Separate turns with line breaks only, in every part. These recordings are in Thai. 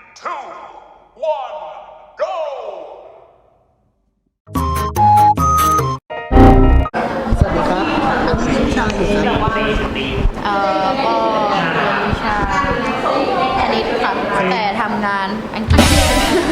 two, one, go!
สวัสดีครับ อันนี้เรียนวิชาอะไรอยู่ครับ
ก็เรียนวิชาคณิตค่ะแต่ทำงานอังกฤษใช่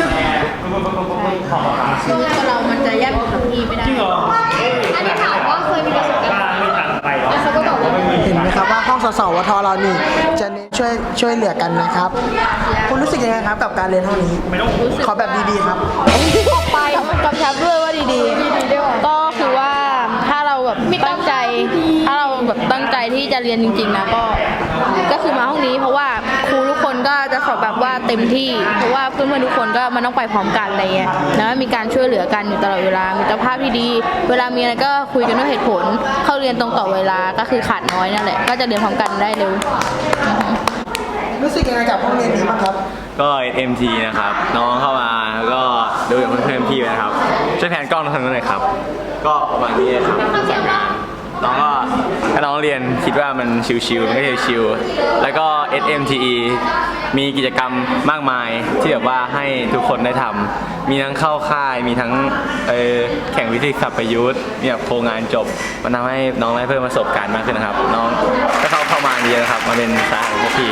ซึ่งตัวเรามันจะแยกกับพี่ไม่ได้อันนี้ถามว่าเคยมีประสบการณ์แล้วเขาก็บอกว่า
เห็นไหมครับว่าห้องสสวทเรานี่จะเน้นช่วยเหลือกันนะครับคุณรู้สึกยังไงครับกับการเรียนห้องนี้ขอแบบดีๆครับ
ไปกำชับด้วยว่าดีๆก็คือว่าถ้าเราแบบตั้งใจที่จะเรียนจริงๆนะก็คือมาห้องนี้เพราะว่าครูทุกคนก็จะสอบแบบว่าเต็มที่เพราะว่าเพื่อนๆทุกคนก็มันต้องไปพร้อมกันอะไรเงี้ยแล้วมีการช่วยเหลือกันอยู่ตลอดเวลามีมิตรภาพที่ดีเวลามีอะไรก็คุยกันด้วยเหตุผลเข้าเรียนตรงต่อเวลาก็คือขาดน้อยนั่นแหละก็จะเรียนพร้อมกันได้เร็ว
รู้สึกยังไงกับห้องเรียนนี้บ้างครับ
ก็ SMT นะครับน้องเข้ามาก็ดูอย่างเพื่อนๆพี่นะครับช่วยแผนกล้องทางนั้นหน่อยครับก็ประมาณนี้ครับจากงานน้องก็ถ้าน้องเรียนคิดว่ามันชิวๆมันก็ชิวๆแล้วก็ SMTE มีกิจกรรมมากมายที่แบบว่าให้ทุกคนได้ทำมีทั้งเข้าค่ายมีทั้งแข่งวิทยาศาสตร์ประยุทธ์มีแบบโครงงานจบมันทำให้น้องได้เพิ่มประสบการณ์มากขึ้นนะครับน้องก็เข้ามาเยอะนะครับมาเป็นสายของพวกพี่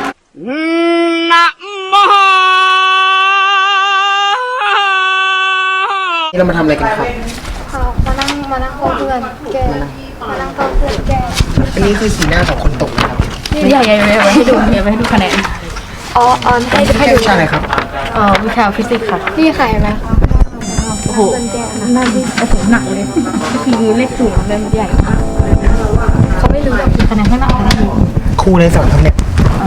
นี่เรามาทำอะไรกันครับ
มานั่งฟังเพื่อนแกมานั่งฟังเพื่อนแก
อันนี้คือสีหน้าของคนตกนะครับ
อย่าให้ดูคะแนน
อ๋อให้
แค่วิชาอะไรครับ
วิชาฟิสิกส์ค่ะ
นี่ใครไหม
โอ้โหน่าที่โอ้โหหนักเลยคือเลขสูงเลยมันใหญ่มาก
เขาไม่รู้หรอก
คะแนนข้างหน้าคะแนนดี
ครูในสอนครับเนี่ย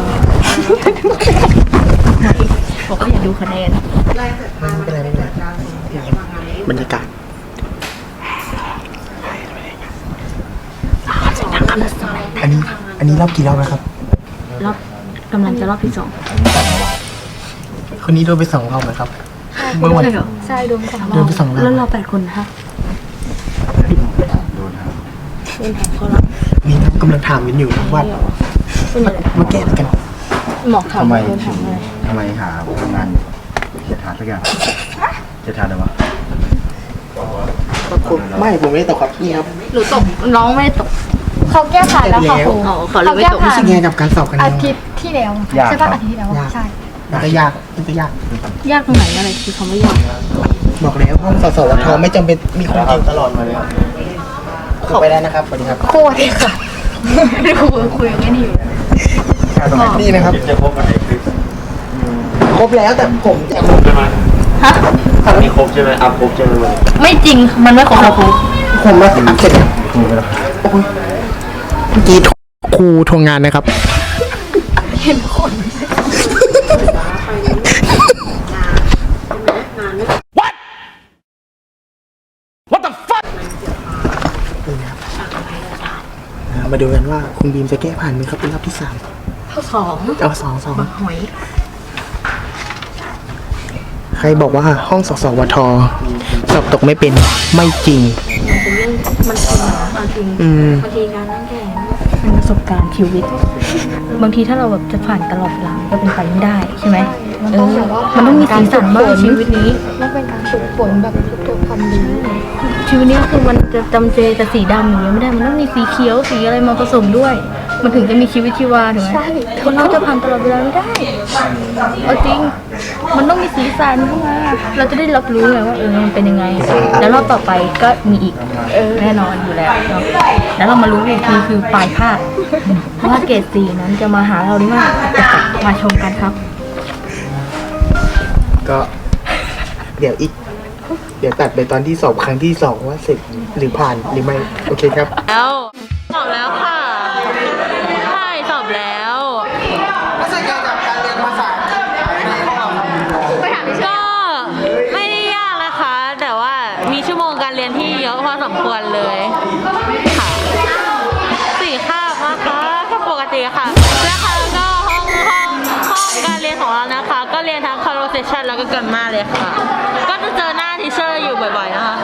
บอกว่าอย่าดูคะแนน
ไม่เป็นไรบรรยากาศอันนี้รอบกี่รอบนะครับ
รอบกำลังจะรอบที่2
คนนี้โดนไป2 รอบนะครับเมื่อวัน
ใช่โดนของ
โดนไป2 รอบ
แล้วเรา8 คนนะคะโดนแทงเขาแล้ว
นี่ครับกำลังถามกันอยู่ครับว่ามาแก้อะไรกัน
หมอกถามโดนถามอะไร
ทำไมหาทำงานจะทานสักอย่างจะทานอะไรวะ
ไม่ผมไม่ได้ตกครับนี่ครับ
หนูตกน้องไม่ได้ตก
เขาแก้ผ่านแล้วค่ะครู
เขาเลยไม่ตก
รู้สึกยังไงกับการสอบครั้ง
อา
นี้
ทิตย์ที่แล้วใช่ป่ะอาทิตย์ที่แล้วใช่
มันก็ยากมันก็ยาก
ยากตรงไหนอะไรคือคำว่ายาก
บอกแล้วห้องสสวทไม่จำเป็นมีคนเก่งตลอดมาเลยขอไปได้นะครับสวัสดีครับ
ครูที่ค่ะ
ครูคุยกันไม่ดีอยู่
นี่นะครับ
จะพบกันในคลิป
ครบแล้วแต่ผมจะ
ใช่ไหม
ฮะ
มีครบใช่ไหมอัพครบใช่ไหมวันนี้
ไม่จริงมันไม่ของเราครู
ผมมาเสร็จ
ถูกไหมล่ะ
เมื่อกี้ครูทวงงานนะครับมาดูกันว่าคุณบีมจะแก้ผ่านไหมครับเป็นรอบที่3
ข้อ2
เอา2
หอย
ใครบอกว่าห้องสสวทสอบตกไม่เป็นไม่จริง
มันจริงบางที บางทีการนั่งแข่งเป็นประสบการณ์ชีวิต บางทีถ้าเราแบบจะผ่านตลอดเวลาก็เป็นไปไม่ได้ใช่ไหมมันต้องมีสีสันบ้างชีวิตนี้
มันเป็นการฝึกฝนแบบฝึกตัวความดี
ชีวิตนี้คือมันจะจำเจแต่สีดำอย่างเดียวไม่ได้มันต้องมีสีเขียวสีอะไรมาผสมด้วย มันถึงจะมีชีวิตชีวาถูกไหมคนเราจะผ่านตลอดเวลาไม่ได้เอาจริงมันต้องมีสีสันเข้ามาเราจะได้รับรู้ไงว่ามันเป็นยังไงแล้วรอบต่อไปก็มีอีกแน่นอนอยู่แล้วเนาะแล้วเรามารู้อีกทีคือปลายภาคว่าเกรดสีนั้นจะมาหาเราหรือไม่มาชมกันครับ
ก็เดี๋ยวตัดไปตอนที่สอบครั้งที่2ว่าเสร็จหรือผ่านหรือไม่โอเคครับ
แล้วสอบแล้วค่ะใช่สอบแล้ว
รู้สึกยังไงกับการเรียนภาษาในห้องเราครับ
ก็ไม่ได้ยากนะคะ แต่ว่ามีชั่วโมงการเรียนที่เยอะพอสมควรเลยค่ะ4 คาบนะคะก็ปกติค่ะนะคะก็ห้องการเรียนของเรานะคะ ก็เรียนทั้ง conversation แล้วก็ grammar เลยค่ะ ก็จะเจอหน้าทีเชอร์อยู่บ่อยๆนะคะ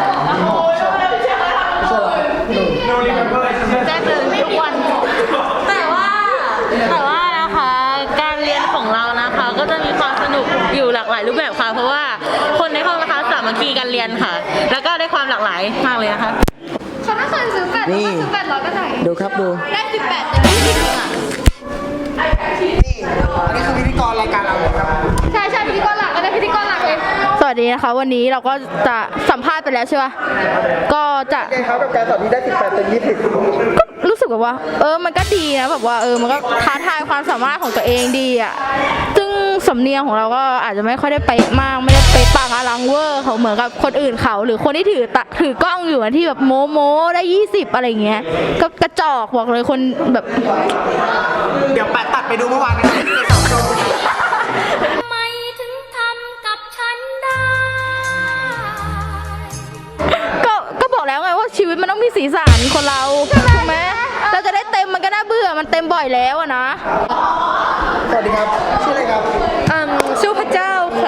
แจ้งเตือนทุกวัน แต่ว่านะคะการเรียนของเรานะคะก็จะมีความสนุกนุกอยู่หลากหลายรูปแบบค่ะ เพราะว่าคนในห้องนะคะสามัคคีกันเรียนค่ะ แล้วก็ได้ความหลากหลายมากเลยนะคะ
เขาถ้าเคยซื้อ8
นี่
ซื้อ800ก็ไหน
ดูครับดู
ได้18จะได้20อ่ะ
นี่อันนี้คือพิธีกรรายการเราเลยครับ
ใช่ใช่พิธีกรหลักก็ได้พิธีกรหลักเลย
สวัสดีนะคะ วันนี้เราก็จะสัมภาษณ์ไปแล้วใช่ปะก็จะ
เองครับกับการสอนนี้ได้18เต็ม20
ก็รู้สึกแบบว่า มันก็ดีนะแบบว่ามันก็ท้าทายความสามารถของตัวเองดีอ่ะซึ่งสำเนียงของเราก็อาจจะไม่ค่อยได้เป๊ะมากไม่ได้เป๊ะปังอลังเวอร์เขาเหมือนกับคนอื่นเขาหรือคนที่ถือกล้องอยู่อะที่แบบโมได้20อะไรเงี้ยก็กระจอกบอกเลยคนแบบ
เดี๋ยวแปะตัดไปดูเมื่อวานนะครับที่ในสองโชว์
ทำไมถึงทำกับฉันได้
ก็บอกแล้วไงว่าชีวิตมันต้องมีสีสันคนเราถูกไหมเราจะได้เต็มมันก็น่าเบื่อมันเต็มบ่อยแล้วอะนะ
สวัสดีครับ ชื่ออะไรครับ
ชื่อพระเจ้าค่ะ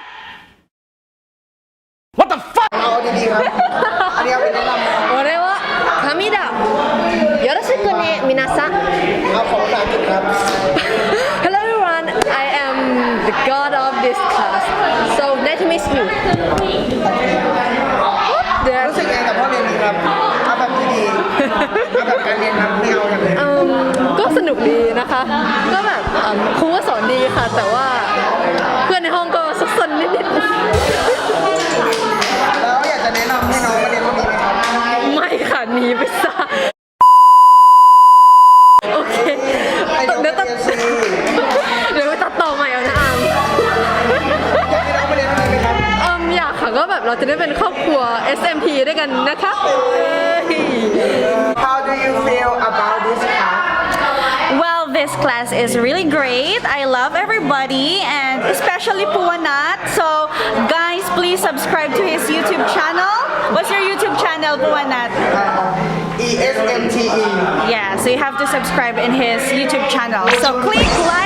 เอาดีๆครับ อันนี้เอาเป็นแนะนำ
俺は神だよろしくね皆さん
เอาของภาษาอังกฤษครับ
Hello everyone I am the god of this class so nice to meet you
รู้สึกยังไงกับพ่อเรียนนี้ครับ เอาแบบดีๆเอาแบบการเรียนครับไม่เอาอย่างอื่น
ก็สนุกดีนะคะ ก็แบบครูก็สอนดีค่ะ แต่ว่าเพื่อนในห้องก็ซุกซนนิด
แล้วอยากจะแนะนำให้น้องมาเรียนพวกนี้ไหมครับ
ๆไม่ค่ะหนีไปซะโอเค
ให้น้อง
เดี๋
มา
ยว
เรี
ตัด
ยนซี
เดี๋ยวไปตัดต่อใหม่เอานะอาม
อยากให้น้องมาเรียนพวกนี้ไหมครับ
อยากค่ะก็แบบเราจะได้เป็นครอบครัว SMP ด้วยกันนะคะ
How do you feel about this class
Well, this class is really great. I love everybody and especially Puwanat. So, guys, please subscribe to his YouTube channel. What's your YouTube channel, Puwanat?
ESMTE
Yeah, so you have to subscribe in his YouTube channel. So, click like.